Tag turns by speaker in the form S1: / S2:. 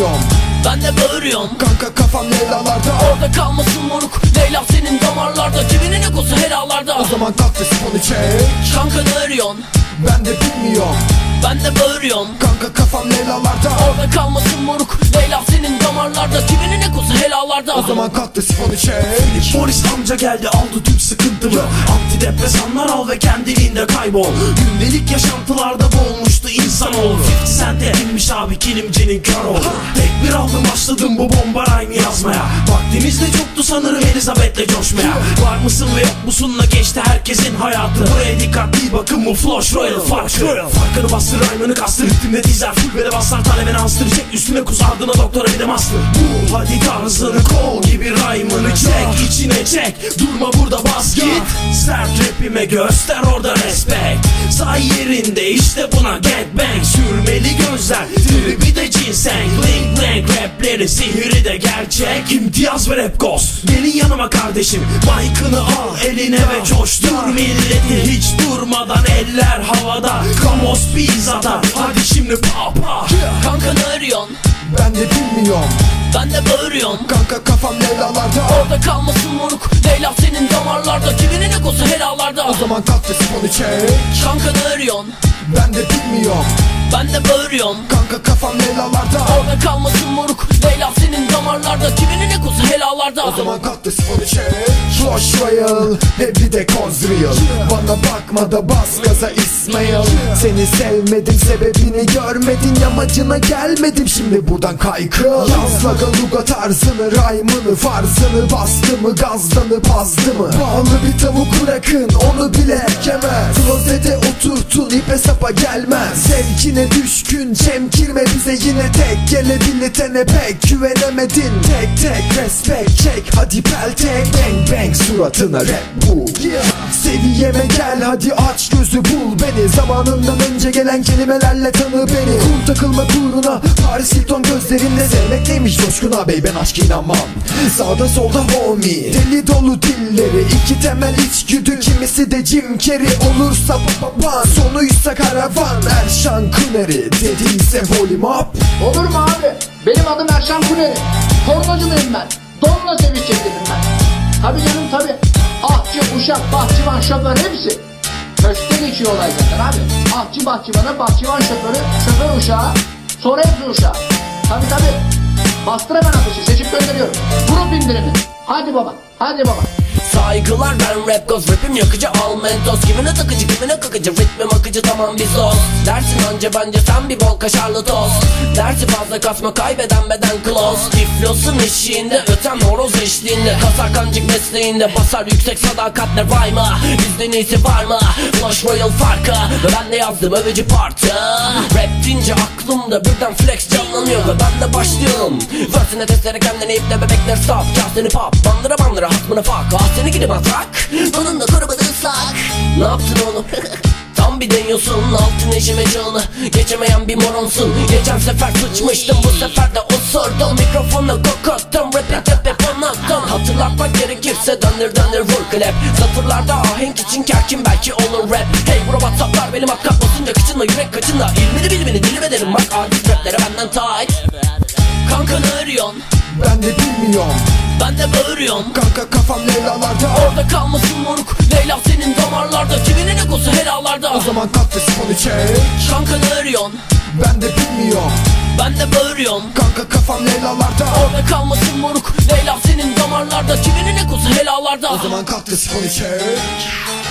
S1: bilmiyorum.
S2: Ben de bağırıyorum.
S1: Kanka kafam Leyla'larda.
S2: Orada kalmasın moruk, Leyla senin damarlarda. Cebinin ekosu helalarda.
S1: O zaman kalk da sifonu çek.
S2: Kanka ne arıyorsun?
S1: Ben de bilmiyorum.
S2: Ben de bağırıyorum.
S1: Kanka kafam Leyla'larda.
S2: Orada kalmasın moruk, Leyla senin damarlarda. Cebinin ekosu helalarda.
S1: O zaman kalk da sifonu çek.
S3: Polis amca geldi aldı tüm sıkıntımı. Antidepresanlar al ve kendiliğinde kaybol. Gündelik yaşantılarda boğulmuştu insanoğlu. 50 Cent'e inmiş abi kilimcinin kör oldu. Tek bir aldım başladım bu bomba rhyme yazmaya. Vaktimiz de çoktu sanırım Elizabeth'le coşmaya. Var mısın ve yok musunla geçti herkesin hayatı. Buraya dikkatli bakın bu Flush Royal farkı. Farkını bastır rhyme'ını kastır. Ritimde dizer full bele basar talebeni anstır. Çek üstüne kus ardına doktora bir de master. Bu hadi tarzını kol gibi rhyme'ını çek. içine çek durma burada bas git. Sert rapime göster orada respect. Say yerinde işte buna gangbang. Sürmeli gözler tribi de ginseng. Bling blank rapleri sihiri de gerçek. İmtiyaz ve rap ghost. Gelin yanıma kardeşim, mic'ını al eline ve coştur milleti. Hiç durmadan eller havada. Kamos pizzada hadi şimdi pa pa.
S2: Kanka ne arıyorsun?
S1: Ben de bilmiyorum.
S2: Ben de bağırıyorum.
S1: Kanka kafam Leyla'larda.
S2: Orada kalmasın moruk, Leyla senin damarlarda. Cebinin ekosu helalarda.
S1: O zaman kalk da sifonu çek.
S2: Kanka ne arıyorsun?
S1: Ben de bilmiyorum.
S2: Ben de bağırıyorum.
S1: Kanka kafam Leyla'larda.
S2: Orada kalmasın moruk, Leyla senin damarlarda. Cebinin ekosu helalarda.
S1: O zaman kalk da sifonu çek. Flush Royal, bir de koz real. Bana bakma da bas gaza İsmail. Seni sevmedim, sebebini görmedin, yamacına gelmedim, şimdi buradan kaykıl. Yazla galuga tarzını, rhyme'ını, farzını. Bastı mı gazdanı bazdı mı? Bağlı bir tavuk bırakın, onu bile ekemez. Klozete oturtun, ipe sapa gelmez. Zevkine düşkün, çemkirme bize yine tek. Gelebilitene pek güvenemedin. Tek tek respect çek, hadi peltek. Bang bang suratına rap bu. Seviyeme gel hadi aç gözü bul beni. Zamanından önce gelen kelimelerle tanı beni. Kum takılma uğruna Paris Hilton gözlerinde. Sevmek neymiş coşkun ağabey, ben aşk inanmam. Sağda solda homie, deli dolu dilleri. İki temel içgüdü, kimisi de Jim Carrey. Olursa papapan, sonuysa karavan. Erşan Kuneri dediyse volume up.
S4: Olur mu abi? Benim adım Erşan Kuneri. Tornacılıyım ben. Donla seviş çekildim ben. Tabi canım tabi. Ahçı, uşak, bahçıvan, şoför hepsi. Köşkte geçiyor olay zaten abi. Ahçı bahçıvanı, bahçıvan şoförü, şoför uşağı, sonra hepsi uşağı. Tabi. Bastır hemen ateşi, seçip gönderiyorum. Grup indirimi. Hadi baba, hadi baba.
S2: Saygılar ben rap goz, rapim yakıcı al mentos. Kimine takıcı kimine kakıcı, ritmim akıcı tamam biz dost. Dersin anca bence sen bir bol kaşarlı tost. Dersi fazla kasma kaybeden beden close. Tiflosun eşiğinde öten horoz eşliğinde. Kasar kancık mesleğinde basar yüksek sadakatle rhyme'a. Bizden iyisi var mı? Flush Royal farkı ve ben de yazdım övücü partı. Rap deyince aklımda birden flex canlanıyor ve ben de başlıyorum. Versine testere kendini iple bebekler stop. Kasteni pop bandıra hatmını fuck. Seni gidip atrak, onun da korumadı ıslak. Ne yaptın oğlum? Tam bir deniyorsun, altın eşime çağını geçemeyen bir moronsun. Geçen sefer sıçmıştım, bu sefer de osurdum. Mikrofonu kokottum, rap'i tepe anlattım. Hatırlatmak gerekirse döndür vur klep. Satırlarda ahenk için kerkin belki olur rap. Hey bro WhatsApp'lar benim hakkak basınca kıçınla yürek kaçınla. İlmini bilmini dilime derim bak artist raplere benden tight. Kanka ne arıyorsun?
S1: Ben de bilmiyorum.
S2: Ben de bağırıyorum.
S1: Kanka kafam Leyla'larda.
S2: Orada kalmasın moruk, Leyla senin damarlarda. Cebinin ekosu helalarda.
S1: O zaman kalk da sifonu çek.
S2: Kanka ne arıyorsun?
S1: Ben de bilmiyorum.
S2: Ben de bağırıyorum.
S1: Kanka kafam Leyla'larda.
S2: Orada kalmasın moruk, Leyla senin damarlarda. Cebinin ekosu helalarda.
S1: O zaman kalk da sifonu çek.